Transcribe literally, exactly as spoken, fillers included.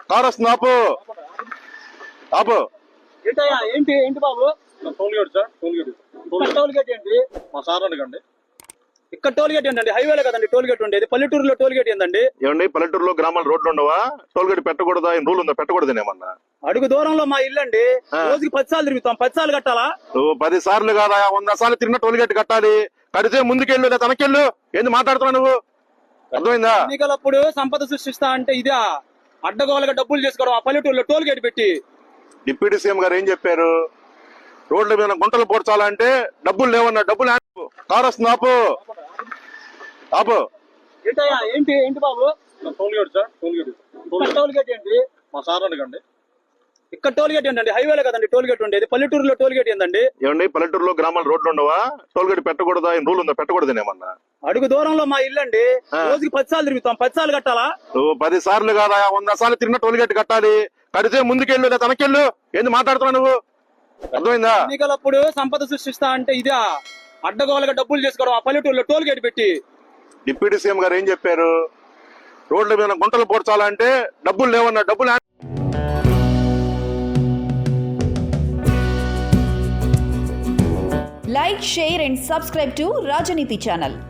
Car వస్తుంది, ఆపు ఆపు. ఏంటయ్యా ఏంటి ఏంటి బాబు? Toll gate sir, toll gate ఇక్కడ టోల్ గేట్ ఏంటి? మా సార్ అడగండి. ఇక్కడ టోల్ గేట్ ఏంటండి? హైవేలో కదండి టోల్ గేట్ ఉండేది. పల్లెటూరులో టోల్ గేట్ ఏందండి? ఏమండి పల్లెటూరులో గ్రామాల రోడ్లు ఉండవా? టోల్ గేట్ పెట్టకూడదా? ఏం రూల్ ఉందా? పెట్టకూడదు ఏమన్నా? అడుగు దూరంలో మా ఇల్లు అండి. ఆ. రోజుకి పది సార్లు తిరుగుతాం. పది సార్లు కట్టాలా? నువ్వు పది సార్లు కాదా, వంద సార్లు తిరిగిన టోల్ గేట్ కట్టాలి. కడితే ముందుకెళ్ళు లేదా తనకెళ్ళు. ఏంది మాట్లాడుతున్నావు నువ్వు? అర్థమైందా? ఎన్నికలప్పుడు సంపద సృష్టిస్తా అంటే ఇదే అడ్డగోలుగా డబ్బులు చేసుకోవడం. ఆ పల్లెటూరులో టోల్ గేట్ పెట్టి డిప్యూటీ సీఎం గారు ఏం చెప్పారు? రోడ్ల మీద గుంటలు పోడ్చాలంటే డబ్బులు లేవన్నా. డబ్బులు ఆపు. కారు వస్తుంది, ఆపు ఆపు. ఏంటయ్యా ఏంటి ఏంటి బాబు? Toll gate sir, toll gate ఇక్కడ టోల్ గేట్ ఏంటి? మా సార్ అడగండి. ఇక్కడ టోల్ గేట్ ఏంటండి? హైవేలో కదండి టోల్ గేట్ ఉండేది. పల్లెటూరులో టోల్ గేట్ ఏందండి? ఏమండి పల్లెటూరులో గ్రామాల రోడ్లు ఉండవా? టోల్ గేట్ పెట్టకూడదా? ఏం రూల్ ఉందా? పెట్టకూడదు ఏమన్నా? అడుగు దూరంలో మా ఇల్లు అండి. ఆ. రోజుకి పది సార్లు తిరుగుతాం. పది సార్లు కట్టాలా? నువ్వు పది సార్లు కాదా, వంద సార్లు తిరిగిన టోల్ గేట్ కట్టాలి. కడితే ముందుకెళ్ళు లేదా తనకెళ్ళు. ఏంది మాట్లాడుతున్నావు నువ్వు? అర్థమైందా? ఎన్నికలప్పుడు సంపద సృష్టిస్తా అంటే ఇదే అడ్డగోలుగా డబ్బులు చేసుకోవడం. ఆ పల్లెటూరులో టోల్ గేట్ పెట్టి డిప్యూటీ సీఎం గారు ఏం చెప్పారు? రోడ్ల మీద గుంటలు పోడ్చాలంటే డబ్బులు లేవన్నా. డబ్బులు ఆపు. Like, share and subscribe to Rajaniti channel.